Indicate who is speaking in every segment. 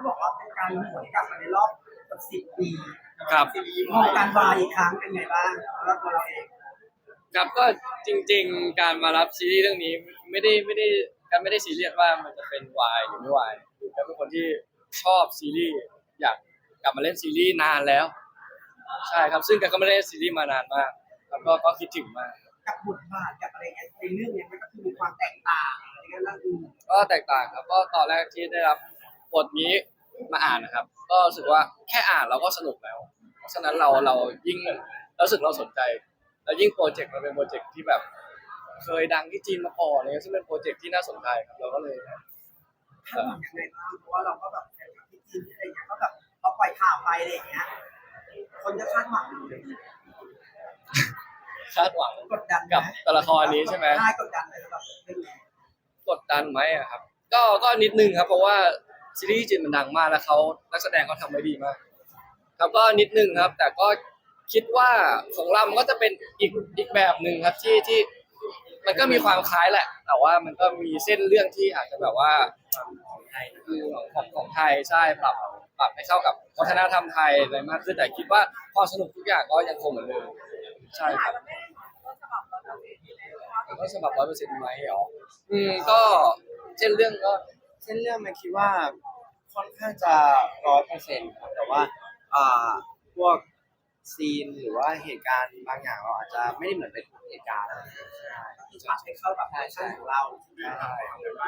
Speaker 1: บอกว่าเป็นการหวนกลับมาในรอบ10 ปี
Speaker 2: ครับ
Speaker 1: มองการวายอีกครั้งเป็นไงบ้างแล้วตัวเราเอง
Speaker 2: ครับก็จริงๆการมารับซีรีส์เรื่องนี้ไม่ได้การไม่ได้ซีเรียสว่ามันจะเป็นวายหรือไม่วายคือการเป็นคนที่ชอบซีรีส์อยากกลับมาเล่นซีรีส์นานแล้วใช่ครับซึ่งการก็ไม่ได้เล่นซีรีส์มานานมากแล้วก็คิดถึงมาก
Speaker 1: กับบทบาทกับอะไรเงี้ยในเรื่องเนี้ยมันก็คือมีความแตกต่างอะไรเงี้ยแล้ว
Speaker 2: ก็แตกต่างครับก็ตอนแรกที่ได้รับบทนี้มาอ่านนะครับก็รู้สึกว่าแค่อ่านเราก็สนุกแล้วเพราะฉะนั้นเรายิ่งรู้สึกเราสนใจแล้วยิ่งโปรเจกต์มันเป็นโปรเจกต์ที่แบบเคยดังที่จีนมาก่อนเลยซึ่งเป็นโปรเจกต์ที่น่าสนใจครับเราก็เลย
Speaker 1: คาดหวังยังไงบ้างเพราะว่าเราก็แบบที่จีนอะไรเงี้ยก็แบบพอปล่อยข่าวไปอะไรเงี้ยคนจะคาดหวัง
Speaker 2: คาดหวัง
Speaker 1: กดดัน
Speaker 2: กับตัวละครนี้ใช่ไหม
Speaker 1: ใช่กดดันเลยแบบเป็นไง
Speaker 2: กดดันไหมอะครับก็นิดนึงครับเพราะว่าซีรีส์จีนมันดังมากแล้วเขานักแสดงเขาทำไว้ดีมากครับก็นิดนึงครับแต่ก็คิดว่าของเรามันก็จะเป็นอีกแบบหนึ่งครับที่มันก็มีความคล้ายแหละแต่ว่ามันก็มีเส้นเรื่องที่อาจจะแบบว่าของไทยคือของไทยใช่ปรับให้เข้ากับวัฒนธรรมไทยอะไรมากขึ้นแต่คิดว่าความสนุกทุกอย่างก็ยังคงเหมือนเดิมใช่ครับก็ฉบับ100%ไหมอ๋อก็เช่นเรื่องก็
Speaker 3: เส้นเรื่องมันคิดว่าค่อนข้างจะ100%ครับแต่ว่าอ่าพวกซีนหรือว่าเหตุการณ์บางอย่างเราอาจจะไม่ได้เหมือนเป็นทุกเหตุการณ์
Speaker 1: ที่ปรับให้เข้ากับแฟชั่นของเรา
Speaker 3: ใช่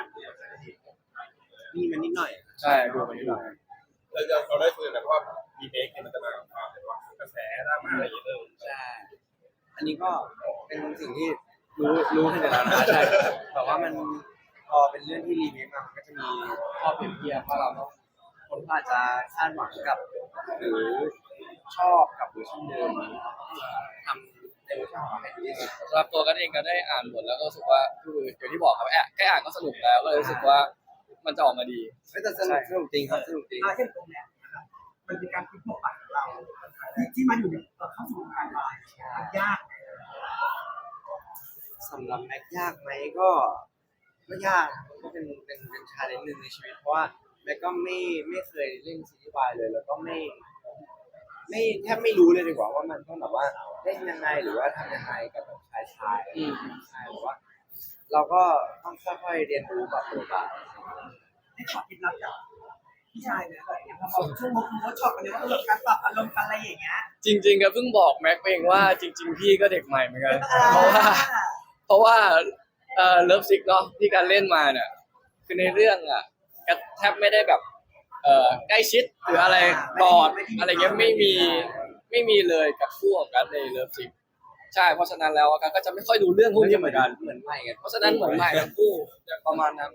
Speaker 3: มีมันนิดหน่อย
Speaker 2: ใช่ดูมันนิดหน่อย
Speaker 4: เราได้คุยกันว่ามีเมคเนี่ยมันจะมากับความเป็นว่ากระแสดราม่าอะไรอย่างเงี้ย
Speaker 3: ใช่อันนี้ก็เป็นสิ่งที่รู้ขึ้นอยู่แล้วนะใช่แต่ว่ามันพอเป็นเรื่องที่รีเมคมามันก็จะมีข้อเปรียบเทียบว่าเราต้องคนก็อาจจะคาดหวังกับหรือชอบกับเวอร์ชันเดิมทำในเวอร์ชันของเราให้ดีที่สุด
Speaker 2: สำหรับตัวกันเองก็ได้อ่านบทแล้วก็รู้สึกว่าคืออย่างที่บอกครับแค่อ่านก็สนุกแล้วก็เลยรู้สึกว่ามันจะออกมาดี
Speaker 3: แต่สนุกจริงครับสนุกจริง
Speaker 1: เช่นตรงเนี้ยนะครับมันเป็นการคิดบทบาทของเราที่มันอยู่ในเข้าสู่วงการวายยาก
Speaker 3: สำหรับแม็กยากไหมก็ยากก็เป็นชาเลนจ์หนึ่งในชีวิตเพราะว่าแม็กก็ไม่เคยเล่นซีรีส์วายเลยแล้วก็ไม่แทบไม่รู้เลยดีกว่าว่ามันต้องแบบว่าเล่นยังไงหรือว่าทำยังไงกับแบบชายใช่หรือว่าเราก็ต้องค่อยๆเรียนรู้กับตัวบาท
Speaker 1: ให้ขอคิดลับจากพี่ชายเนี่ยอะไรอย่างเงี้ยพอช่วงเวิร์กช็อปกันเนี่ยก็เรื่องการปรับอารมณ์กันอะไรอย่างเงี้ย
Speaker 2: จริงๆก็เพิ่งบอกแม็กเองว่าจริงๆพี่ก็เด็กใหม่เหมือนกันเพราะว่าเลิฟซิกเนาะที่การเล่นมาเนี่ยคือในเรื่องอ่ะก็แทบไม่ได้แบบใกล้ชิดหรืออะไรกอดอะไรเงี้ยไม่มีเลยกับคู่ของกันในเลิฟซิกใช่เพราะฉะนั้นแล้วกันก็จะไม่ค่อยดูเรื่องพวกนี้เหมือนกัน
Speaker 3: เหมือนใหม่กัน
Speaker 2: เพราะฉะนั้นเหมือนใหม่ทั้งคู่ประมาณนั้น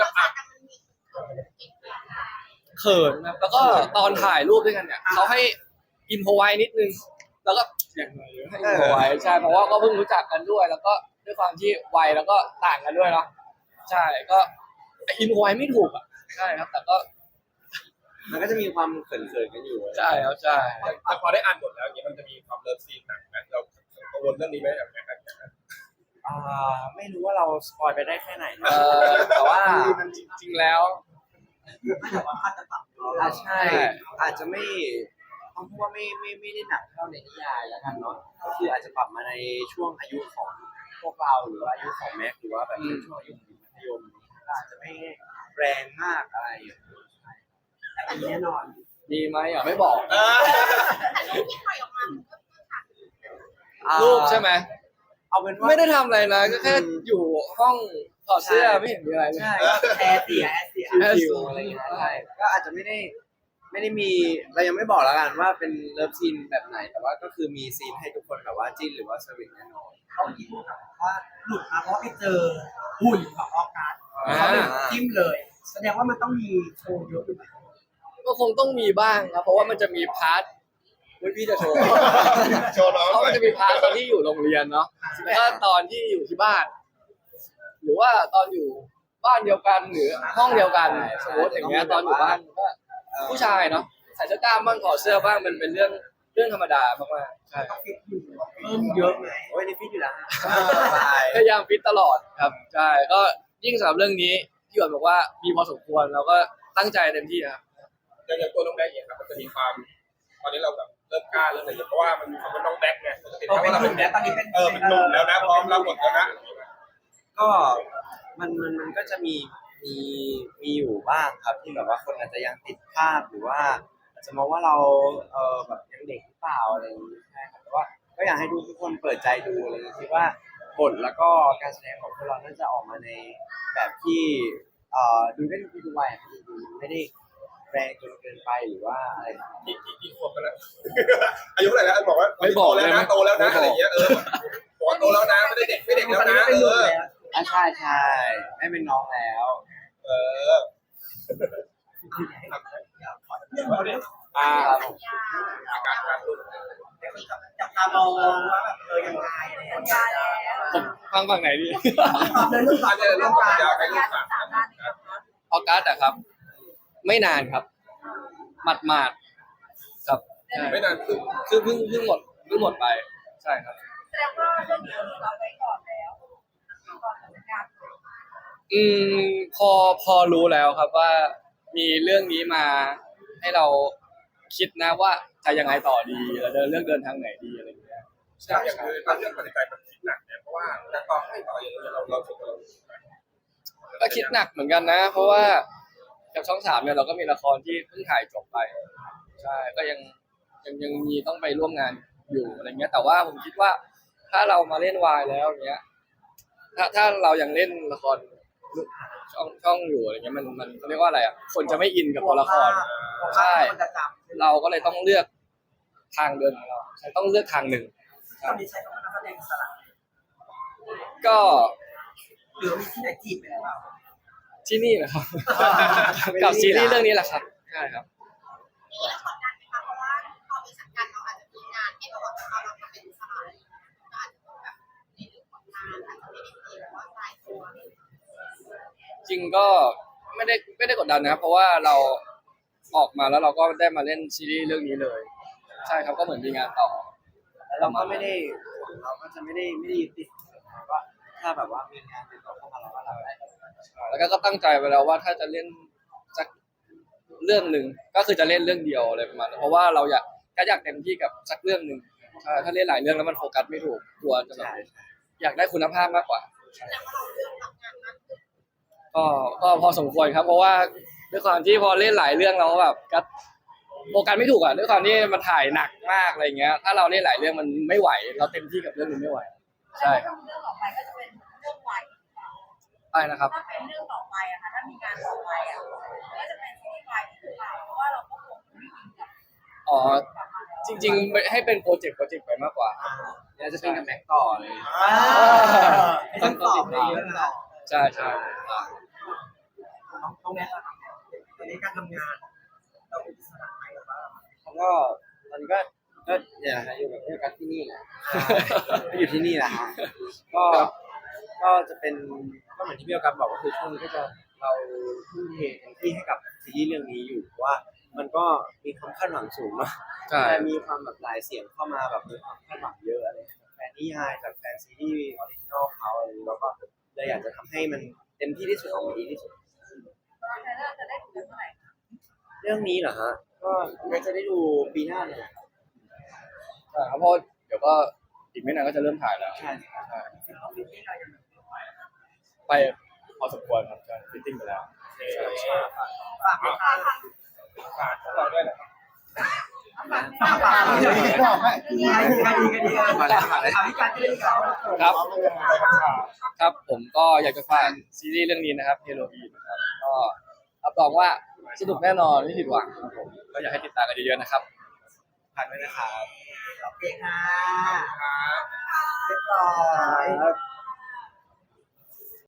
Speaker 2: เขินนะแล้วก็ตอนถ่ายรูปด้วยกันเนี่ยเขาให้อินโฟไว้นิดนึงแล้วก็อย่างไรให้อินโฟไว้ใช่เพราะว่าก็เพิ่งรู้จักกันด้วยแล้วก็ด้วยความที่วัยแล้วก็ต่างกันด้วยเนาะใช่ก็อินโฟไว้ไม่ถูกอ่ะใช่ครับแต่ก็
Speaker 3: มันก็จะมีความเขินๆกันอยู่
Speaker 2: ใช่ครับใช่
Speaker 4: แต่พอได้อ่านบทแล้วอย่างเงี้ยมันจะมีความเลิฟซีนหนักนะเรากังวลเรื่องนี้ไหมอย่างเงี้ย
Speaker 3: ไม่รู้ว่าเราสปอยไปได้แค่ไหนแต่ว่า
Speaker 2: มันจริงๆแล้ว
Speaker 1: แต่ว่าอาจจะปรับ
Speaker 3: ใช่อาจจะไม่ต้องพูดว่าไม่ได้หนักเท่าในนิยายแล้วกันเนาะก็คืออาจจะปรับมาในช่วงอายุของพวกเราหรืออายุของแม็กหรือว่าแบบช่วงอายุของมัธยมอาจจะไม่แรงมากอะไร
Speaker 1: แต่แน่นอน
Speaker 2: ดีไหมอ่ะไม่บอกรูปใช่ไหม
Speaker 3: เอาเป็นว่า
Speaker 2: ไม่ได้ทำอะไรนะก็แค่อยู่ห้องถอดเสื้อไม่เห็นมีอะไร
Speaker 3: ใช่
Speaker 1: แอร์เสีย
Speaker 3: ชิวอะไรอย่างเงี้ยใช่ก็อาจจะไม่ได้มีเรายังไม่บอกแล้วกันว่าเป็นเลิฟซีนแบบไหนแต่ว่าก็คือมีซีนให้ทุกคนแบบว่าจิ้นหรือว่าสวีทแน่นอน
Speaker 1: เขาคิดว่าหลุดมาเพราะไปเจอหุ่นของออกัสเขาเลยจิ้มเลยแสดงว่ามันต้องมีโชว์เยอะอยู่
Speaker 2: ก็คงต้องมีบ้างครับเพราะว่ามันจะมีพาร์ทพี่จะโชว์เพราะมันจะมีพาร์ทตอนที่อยู่โรงเรียนเนาะแล้วก็ตอนที่อยู่ที่บ้านหรือว่าตอนอยู่บ้านเดียวกันหรือห้องเดียวกันสมมติอย่างเงี้ยตอนอยู่บ้านก็ผู้ชายเนาะใส่เสื้อกล้ามบ้างถอดเสื้อบ้างมันเป็นเรื่องธรรมดามากๆใช่
Speaker 1: เพิ่มเยอะไง
Speaker 3: โอ้ยนี่ฟิตอยู่แล้ว
Speaker 2: พยายามฟิตตลอดครับใช่ก็ยิ่งสำหรับเรื่องนี้พี่หยวนบอกว่ามีพอสมควรเราก็ตั้งใจเต็มที่ครับ
Speaker 4: อย่างตัวน้องแบงค์เองครับมันจะมีความตอนนี้เราแบบเริ่มกล้าเริ่มอะไรอย่างเงี้ยเพราะว่ามันมีความเป็นน้องแบงค์ไงมันจะติด
Speaker 1: โต
Speaker 4: แค่
Speaker 1: เป็น
Speaker 4: ว่าเรา
Speaker 1: ห
Speaker 4: เป็
Speaker 1: นุ่
Speaker 4: น
Speaker 1: มแล้วตอนนี้เป็น
Speaker 4: เป็นหนุ่มแล้วนะพร้อมรับหมดแล้วนะ
Speaker 3: ก็มันก็จะมีอยู่บ้างครับที่แบบว่าคนอาจจะยังติดภาพหรือว่าอาจจะมองว่าเราแบบยังเด็กหรือเปล่าอะไรอย่างนี้ใช่ครับแต่ว่าก็อยากให้ทุกคนเปิดใจดูอะไรอย่างนี้คิดว่าบทแล้วก็การแสดงของพวกเราน่าจะออกมาในแบบที่ดูได้ทุกวัยครับดูไม่ได้แรงจนเกินไปหรือว่าอะไร
Speaker 4: กี่ขวบกันแล้วอายุเท่าไหร่แล้วบอกว่า
Speaker 2: ไม่บอก
Speaker 4: โตแล้วนะ
Speaker 2: ได้ไหม
Speaker 4: โตแล้วนะ
Speaker 2: ไม่บอก
Speaker 4: อะไรอย่างเงี้ยบอกว่าโตแล้วนะไม่ได้เด็กไม่เด็ก
Speaker 1: ต
Speaker 4: แล้ว
Speaker 1: อนนี้
Speaker 4: นะ
Speaker 1: เป็นหนุ่มแล้ว
Speaker 3: ใช่ไม่เป็นน้องแล้ว
Speaker 4: เออ
Speaker 3: อ่า
Speaker 4: อาการการลุ้น
Speaker 1: จับตามองว่าแบบยังไงอะไรอย่างเงี้ย
Speaker 2: ผมฟังไหนดี
Speaker 1: เลยลูกหลาน
Speaker 4: เนี่ย
Speaker 1: เลย
Speaker 4: ลู
Speaker 1: ลู
Speaker 4: ก
Speaker 1: กหลาน
Speaker 4: ยาใครลูกขาด
Speaker 2: ออกัสอะครับ ไม่นานครับหมาดๆครับใช่
Speaker 4: ไม่นานคือ
Speaker 2: คือเพิ่งหมดไปใช่ครับ
Speaker 5: แสดงว่าเรื่องนี้เราไว้ก่อนแล้วก่อนทำงาน
Speaker 2: อืมพอรู้แล้วครับว่ามีเรื่องนี้มาให้เราคิดนะว่าจะยังไงต่อดีเราจะเลือกเดินทางไหนดีอะไรอย่างเงี้ย
Speaker 4: ใช่อย่างคือตอนเรื่องปฏิบัติมันคิดหนักเนี่ยเพราะว่านักต่อให้ต่ออย่างเงี้ยเราถึงเรา
Speaker 2: ก็คิดหนักเหมือนกันนะ เพราะว่ากับช่อง3เนี่ยเราก็มีละครที่เพิ่งถ่ายจบไปใช่ก็ยังมีต้องไปร่วมงานอยู่อะไรเงี้ย แต่ว่าผมคิดว่าถ้าเรามาเล่นวายแล้วเนี้ยถ้าเรายังเล่นละครช่องอยู่อะไรเงี้ยมันเขาเรียกว่าอะไรอ่ะคนจะไม่อินกับตัวละคร ใช่
Speaker 1: คนจะจำ
Speaker 2: เราก็เลยต้องเลือกทางเดินของเราต้องเลือกทางหนึ่ง
Speaker 1: ตอนนี้ใช้คำว่านักแสดงอิสระ
Speaker 2: ก็
Speaker 1: หรือมีที่ไหนจีบไปหรือเปล่า
Speaker 2: ที่นี่แหละครับ กับซีรีส์เรื่องนี้แหละครับใช่ครับ
Speaker 5: มีเรื่องกดดันไหมคะเพราะว่าพอมีสังกัดเราอาจจะมีงานที่เราทำเราทำเป็นสายก็อาจจะต้องแบบในเรื่องของงานอาจจะไม่ได้มีแบบว่าสายตัว
Speaker 2: จริงก็ไม่ได้กดดันนะครับเพราะว่าเราออกมาแล้วเราก็ได้มาเล่นซีรีส์เรื่องนี้เลย ใช่ครับก็เหมือนมีงานต่อ
Speaker 3: แล้วเราก็ไม่ได้เราก็จะไม่ได้ยึดติดว่าถ้าแบบว่ามีงานติดต่อเข้ามาเราก็รับได้
Speaker 2: แล้วก็ตั้งใจไว้แล้วว่าถ้าจะเล่นสักเรื่องหนึ่งก็คือจะเล่นเรื่องเดียวอะไรประมาณนั้นเพราะว่าเราอยากเต็มที่กับสักเรื่องหนึ่งใช่ถ้าเล่นหลายเรื่องแล้วมันโฟกัสไม่ถูกกลัวจะแบบ
Speaker 3: ใช่
Speaker 2: อยากได้คุณภาพมากกว่า
Speaker 5: แต่ว่าเราเลือกทำงานมากขึ้น
Speaker 2: ก็พอสมควรครับ เพราะว่าด้วยความที่พอเล่นหลายเรื่องเราก็แบบก็โฟกัสไม่ถูกอ่ะด้วยความที่มันถ่ายหนักมากอะไรเงี้ย ถ้าเราเล่นหลายเรื่องมันไม่ไหว เราเต็มที่กับเรื่องนึงไม่ไหว ใช่ครับ
Speaker 5: เรื่องต่อไปก็จะเป็นเรื่องใหม่
Speaker 2: ใช่นะครับ
Speaker 5: ถ้าเป็นเรื่องต่อไปอะค่ะถ้ามีงานต่อไปอะก็จะเป็นซีรีส์วายหรือเปล่าเพราะว่าเราก็คงไม่อินกับ
Speaker 2: อ๋อจริงๆให้เป็นโปรเจกต์ไปมากกว่า
Speaker 3: เดี๋ยวจะเป็นกับแม็กต่อเลย
Speaker 1: ต้องตอบเลยเยอะนะ
Speaker 2: ใช่ใช่
Speaker 1: ต้องแม่ตอนนี้การทำงานเราเป็นอิสระไหมหรือว่า
Speaker 3: แล้วก็ตอนนี้ก็เนี่ยนะฮะอยู่กับเพื่อนกันที่นี่แหละก็อยู่ที่นี่แหละฮะก็จะเป็นก็เหมือนที่พี่ออกัสบอกก็คือช่วงนี้ก็จะเราทุ่มเทเต็มที่ให้กับซีรีส์เรื่องนี้อยู่เพราะว่ามันก็มีความคาดหวังสูงเนาะ
Speaker 2: ใช่
Speaker 3: แต่มีความแบบหลายเสียงเข้ามาแบบมีความคาดหวังเยอะอะไรจากแฟนนิยายจากแฟนซีรีส์ออริจินอลเขาอะไรอย่างนี้เราก็เลยอยากจะทำให้มันเต็มที่ที่สุดออกมาดีที่สุด
Speaker 5: ตอนนี้เราจะได้ดูกันเมื่อไหร่
Speaker 3: เรื่องนี้เหรอฮะก็น่าจะได้ดูปีหน้าเนี่ย
Speaker 2: ใช่ครับเพราะเดี๋ยวก็อีกไม่นานก็จะเริ่มถ่ายแล้ว
Speaker 3: ใช่ครับ
Speaker 2: ใช่
Speaker 1: ที่เรายัง
Speaker 2: ไปพอสมควรครับใช่ฟิตติ้งไปแล้ว
Speaker 1: ฝากฝาก
Speaker 4: ฝากพวกเราด้วยนะครับ
Speaker 1: ฝากดีดีพิการที่เขา
Speaker 2: ครับครับผมก็อยากจะฝากซีรีส์เรื่องนี้นะครับเฮโรวีนนะครับก็รับรองว่าสนุกแน่นอนไม่ผิดหวังครับผมก็อยากให้ติดตามกันเยอะๆนะครับ
Speaker 3: ฝากด้วยนะครับ
Speaker 1: โอเคค่ะเรียบร้อย